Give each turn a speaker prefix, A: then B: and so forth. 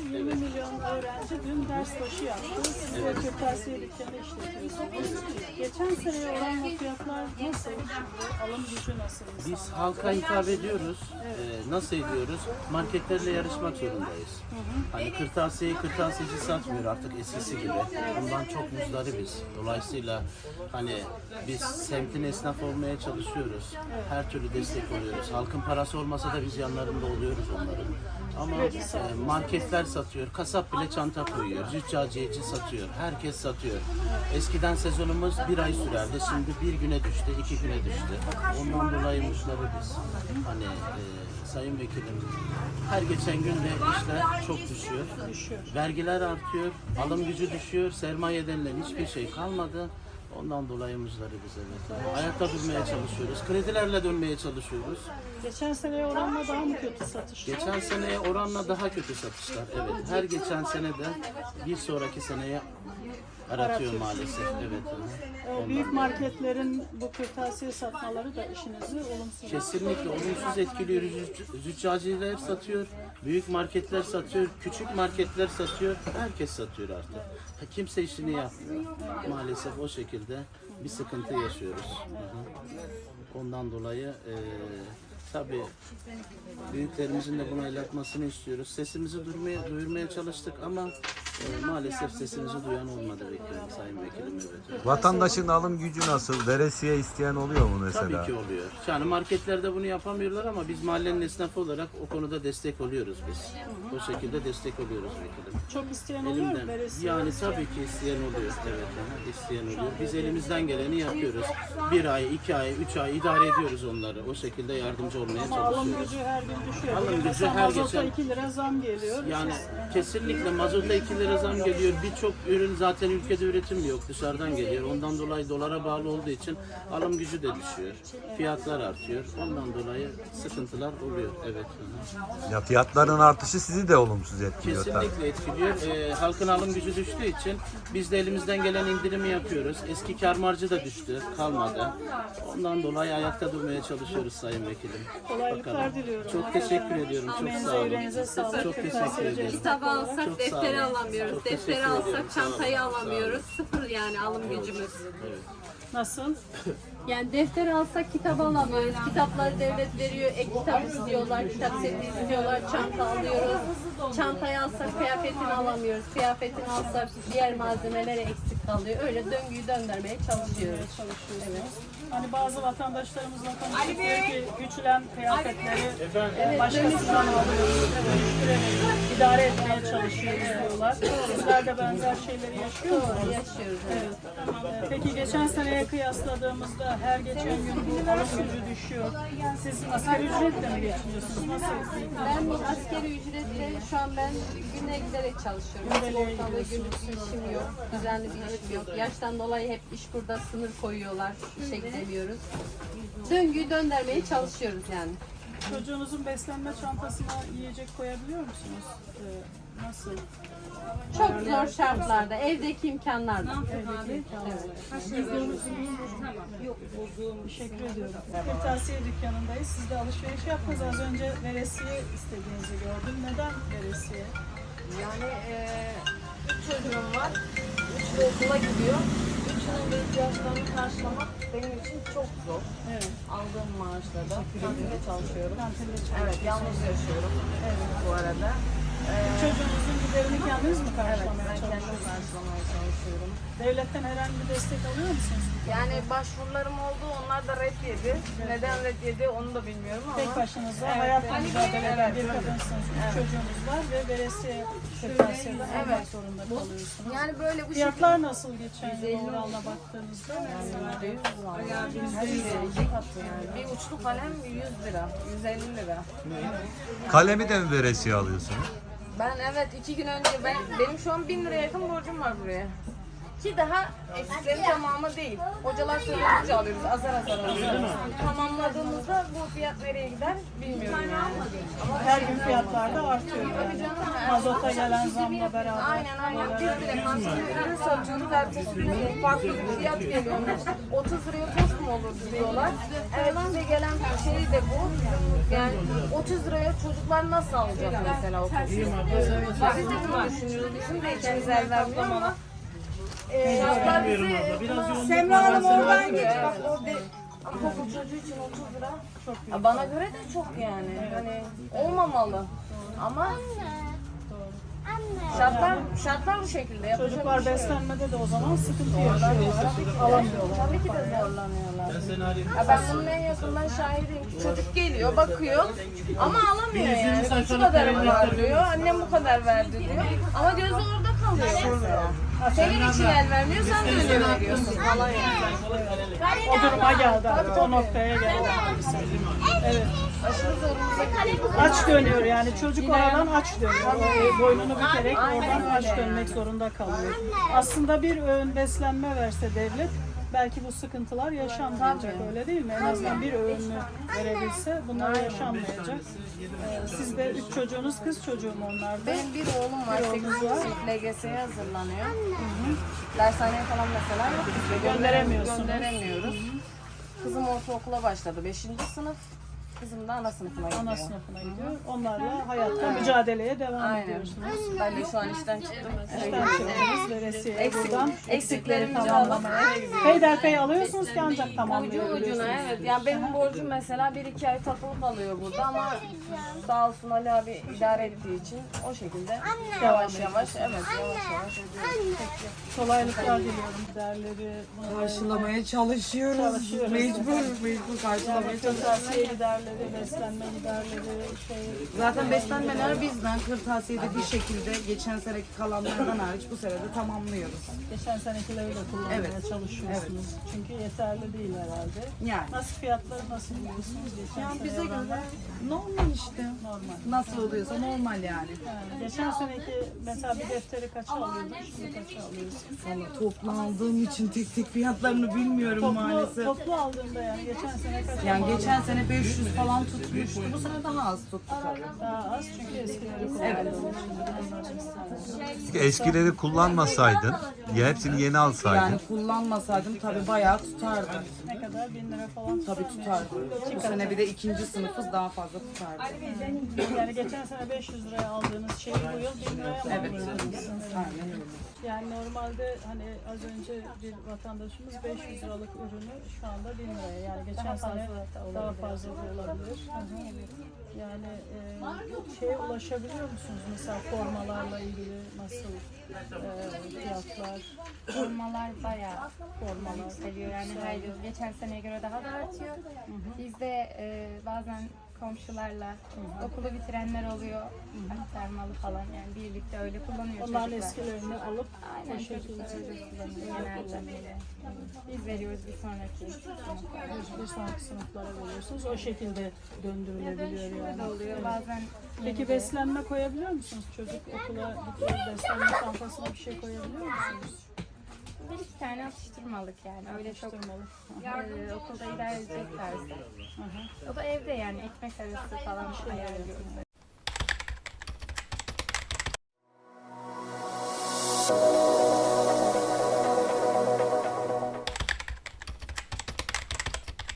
A: 20 milyon öğrenci dün ders başı yaptı. Siz de kırtasiye dükkanı işletiyorsunuz. Geçen seneye oranla fiyatlar nasıl şimdi? Alım gücü nasıl
B: Biz
A: insanlar?
B: halka hitap ediyoruz. Nasıl ediyoruz? Marketlerle yarışmak zorundayız. Hani kırtasiyeci satmıyor artık eskisi gibi. Bundan çok muzdaribiz. Dolayısıyla hani biz semtin esnaf olmaya çalışıyoruz. Her türlü destek oluyoruz. Halkın parası olmasa da biz yanlarında oluyoruz onların. Ama marketler satıyor, kasap bile çanta koyuyor, züccaciyeci satıyor, herkes satıyor. Eskiden sezonumuz bir ay sürerdi, şimdi bir güne düştü, 2 güne düştü. Ondan dolayı mutluyuz. Hani Sayın Vekilim, her geçen günde işler çok düşüyor. Vergiler artıyor, alım gücü düşüyor, sermaye denilen hiçbir şey kalmadı. Ondan dolayı muzdaribiz, evet. Ayakta durmaya çalışıyoruz, kredilerle dönmeye çalışıyoruz.
A: Geçen seneye oranla daha mı kötü satışlar?
B: Geçen seneye oranla daha kötü satışlar, evet. Her geçen senede bir sonraki seneye aratıyor maalesef, evet.
A: Büyük marketlerin bu kırtasiye satmaları da işinizi olumsuz.
B: Kesinlikle olumsuz etkiliyor. Züccaciler satıyor, büyük marketler satıyor, küçük marketler satıyor, herkes satıyor artık. Kimse işini yapmıyor. Maalesef o şekilde bir sıkıntı yaşıyoruz. Ondan dolayı tabii büyüklerimizin de buna el atmasını istiyoruz. Sesimizi duyurmaya çalıştık ama maalesef sesimizi duyan olmadı Sayın Vekilim. Evet.
C: Vatandaşın alım gücü nasıl? Veresiye isteyen oluyor mu mesela?
B: Tabii ki oluyor. Yani marketlerde bunu yapamıyorlar ama biz mahallenin esnafı olarak o konuda destek oluyoruz biz. O şekilde destek oluyoruz vekilim.
A: Çok isteyen oluyor mu veresiye?
B: Yani tabii ki isteyen oluyor. Evet, isteyen oluyor. Biz elimizden geleni yapıyoruz. 1 ay, 2 ay, 3 ay idare ediyoruz onları. O şekilde yardımcı olmaya
A: Ama alım
B: çalışıyoruz.
A: gücü her gün düşüyor.
B: Alım gücü
A: Mesela
B: her
A: mazota
B: geçen-
A: 2 lira zam geliyor.
B: Yani kesinlikle mazota 2 lira zam geliyor. Birçok ürün zaten ülkede üretim yok. Dışarıdan geliyor. Ondan dolayı dolara bağlı olduğu için alım gücü de düşüyor. Fiyatlar artıyor. Ondan dolayı sıkıntılar oluyor. Evet.
C: Ya fiyatların artışı sizi de olumsuz etkiliyor tabii.
B: Kesinlikle etkiliyor. Halkın alım gücü düştüğü için biz de elimizden gelen indirimi yapıyoruz. Eski kâr marjı da düştü. Kalmadı. Ondan dolayı ayakta durmaya çalışıyoruz Sayın Vekilim.
A: Kolaylıklar diliyorum.
B: Çok teşekkür ediyorum. Çok
A: Emeğinize,
B: sağ olun.
A: yüreğinize sağlık.
B: Çok teşekkür
A: Kırtasiyeci
B: ederim.
A: esnaf
D: Kitabı alsak
B: Çok sağ
D: defteri
B: olun.
D: alamıyoruz.
B: Çok
D: Defteri
B: teşekkür
D: alsak
B: ediyorum. Sağ olun.
D: çantayı alamıyoruz. Sıfır yani alım gücümüz.
A: Nasıl?
D: Yani defter alsak kitap alamıyoruz. Kitapları devlet veriyor. Ek kitap istiyorlar. Kitap seti istiyorlar. Çanta alıyoruz. Çantayı alsak kıyafetini alamıyoruz. Kıyafetini alsak diğer malzemeleri eksik kalıyor. Öyle döngüyü döndürmeye çalışıyoruz. Evet.
A: Hani bazı vatandaşlarımızla konuşuyoruz ki güçlen kıyafetleri başkasından alıyoruz. Evet, idare etmeye çalışıyoruz diyorlar. Sizler de benzer şeyleri yaşıyor musunuz?
D: Doğru yaşıyoruz. Evet.
A: Peki geçen seneye kıyasladığımızda her geçen gün bu alım gücü düşüyor. Siz asgari ücretle mi geçiniyorsunuz? Nasıl?
D: Ben askeri ücretle şu an ben güne giderek çalışıyorum. Sigortalı günlük işim yok. Düzenli bir işim yok. Yaştan dolayı hep iş burada sınır koyuyorlar. İşe gidemiyoruz. Döngüyü döndürmeye çalışıyoruz yani.
A: Çocuğunuzun beslenme çantasına yiyecek koyabiliyor musunuz? Nasıl?
D: Çok zor şartlarda, evdeki imkanlarda.
A: Teşekkür ediyorum. Kırtasiye dükkanındayız. Siz de alışveriş yaptınız. Az önce veresiye istediğinizi gördüm. Neden veresiye?
E: Yani 3 çocuğum var. 3'ü okula gidiyor. Üçünün de ihtiyaçlarını karşılamak benim için çok zor.
A: Evet.
E: Aldığım maaşla da kantinde çalışıyorum.
A: Kantinde
E: Evet, yalnız yaşıyorum bu arada.
A: Çocuğunuzun giderini kendiniz mi
E: Evet,
A: karşılamaya
E: ben kendim
A: çalışıyorsunuz?
E: karşılamaya çalışıyorum.
A: Devletten herhangi bir destek alıyor musunuz?
E: Yani başvurularım oldu, onlar da red yedi. Neden red yedi onu da bilmiyorum ama.
A: Tek başınıza
E: Evet,
A: hayatla
E: evet.
A: mücadele eden bir
E: Evet.
A: kadınsınız. Üç çocuğunuz var ve veresiye kırtasiyede almak
E: Evet.
A: zorunda kalıyorsunuz.
E: Yani böyle bu
A: Fiyatlar nasıl geçen yıl oranla baktığınızda?
E: %100 var. Yani bir uçlu kalem 100 lira, 150 lira.
C: Kalemi de mi veresiye alıyorsunuz?
E: Ben evet 2 gün önce benim şu an 1000 liraya yakın borcum var buraya. Ki daha eksiklerin tamamı değil. Hocalar söyleyince alıyoruz, azar azar alıyoruz. Tamamladığımızda bu fiyat nereye gider bilmiyorum yani. Ama
A: Her gün fiyatlar da artıyor yani. Mazota gelen zamla beraber.
E: aynen. Biz bile kantin ürünü satıyoruz. Ertesi gün farklı bir fiyat geliyor. 30 liraya tost mu olur diyorlar. Evet, bize gelen şey de bu. Yani 30 liraya çocuklar nasıl alacak mesela o tostu? Biz de bunu düşünüyoruz. Bizim de içimiz el vermiyor ama şartlar bizi
F: Semra Hanım oradan geç.
E: bak orada ama okul çocuğu için 30 lira çok bana göre de çok yani. Hani olmamalı. Ama şartlar bu şekilde. Yapacak
A: Çocuklar
E: bir şey yok.
A: beslenmede de o zaman sıkıntı yaşıyorlar. Alamıyorlar.
E: Tabii ki de zorlanıyorlar. Ya ben bunun en yakından şahidiyim. Çocuk geliyor, bakıyor ama alamıyor yani. Şu kadarım var diyor, annem bu kadar verdi diyor. Ama gözü orada kalıyor mesela. Senin için el vermiyor, sen de öyle veriyorsun falan yani.
A: O duruma geldi artık. O noktaya geldi. Evet.
E: Aşırı zorumuza
A: Aç dönüyor yani. Çocuk oradan aç dönüyor. O boynunu bükerek oradan aç dönmek zorunda kalıyor. Aslında bir öğün beslenme verse devlet belki bu sıkıntılar yaşanmayacak, öyle değil mi? En azından bir öğünü verebilse bunlar yaşanmayacak. Siz de 3 çocuğunuz kız çocuğu mu onlar da?
E: Benim bir oğlum var, 8 sınıf LGS'ye hazırlanıyor. Dershaneye falan mesela yok bizde.
A: Gönderemiyorsunuz.
E: Gönderemiyoruz. Kızım ortaokula başladı, 5. sınıf. Kızım da ana sınıfına gidiyor.
A: Ana sınıfına gidiyor. Onlarla hayatta mücadeleye devam
E: Aynen.
A: ediyorsunuz.
E: Ben de şu an işten çıktım.
A: İşten çıktınız veresiye buradan eksikleri
E: Eksiklerimizi
A: tamamlamaya. Peyderpey alıyorsunuz ki ancak
E: Ucu
A: tamamlayabilirsiniz.
E: ucuna evet. Yani benim borcum mesela 1-2 ay takılı kalıyor burada ama sağ olsun Ali abi idare ettiği için o şekilde yavaş yavaş ödüyoruz.
A: Kolaylıklar diliyorum giderleri.
F: Karşılamaya çalışıyoruz. Mecbur karşılamaya çalışıyoruz.
A: Kırtasiye giderleri, beslenme giderleri,
F: Zaten beslenmeler bizden kırtasiyede bir şekilde geçen seneki kalanlardan hariç bu sene de tamamlıyoruz.
A: geçen senekileri de kullanmaya çalışıyorsunuz. Çünkü yeterli değil herhalde.
F: Yani.
A: Nasıl fiyatları nasıl buluyorsunuz? Geçen
F: Yani
A: sene
F: bize
A: oranla
F: göre normal işte.
A: normal.
F: Nasıl oluyorsa normal yani.
A: Yani geçen seneki mesela bir defteri kaça alıyordun, şimdi kaça alıyorsun?
F: Vallahi toplu aldığım için tek tek fiyatlarını bilmiyorum maalesef.
A: Toplu aldığında yani geçen sene kaç
F: Yani
A: aldın?
F: geçen sene 500 falan tutmuştu. Bu sene daha az tuttu tabii.
A: Daha az çünkü eskileri kullandığım için.
C: Peki eskileri kullanmasaydın, hepsini yeni alsaydın.
F: Yani kullanmasaydım tabii bayağı tutardı.
A: Ne kadar? 1000 lira falan
F: Tabii tutardı. Bu sene bir de ikinci sınıfız daha fazla tutardı.
A: Yani geçen sene 500 liraya aldığınız şeyi bu yıl 1000 liraya mı alıyorsunuz?
F: Aynen öyle.
A: Yani normalde hani az önce bir vatandaşımız 500 liralık ürünü şu anda 1000 liraya, yani geçen sene daha fazla da olabilir. Yani şeye ulaşabiliyor musunuz mesela formalarla ilgili nasıl fiyatlar?
G: Formalar bayağı formalar seviyor yani her yıl geçen seneye göre daha da artıyor. Biz de bazen komşularla okulu bitirenler oluyor, aktarmalı falan yani birlikte öyle kullanıyor
A: Onların
G: çocuklar.
A: eskilerini alıp
G: Aynen
A: o şekilde
G: çocuklar öyle kullanıyor genelde. Biz veriyoruz bir sonraki sınıflara.
A: bir sonraki sınıflara veriyorsunuz. O şekilde döndürülebiliyor yani.
G: Oluyor bazen
A: Peki beslenme koyabiliyor musunuz? Çocuk okula gidiyor, beslenme çantasına bir şey koyabiliyor musunuz?
G: bir iki tane atıştırmalık yani öyle çok
A: Atıştırmalık.
G: okulda idare edecek tarzda. O da evde yani ekmek arası falan ayarlıyoruz.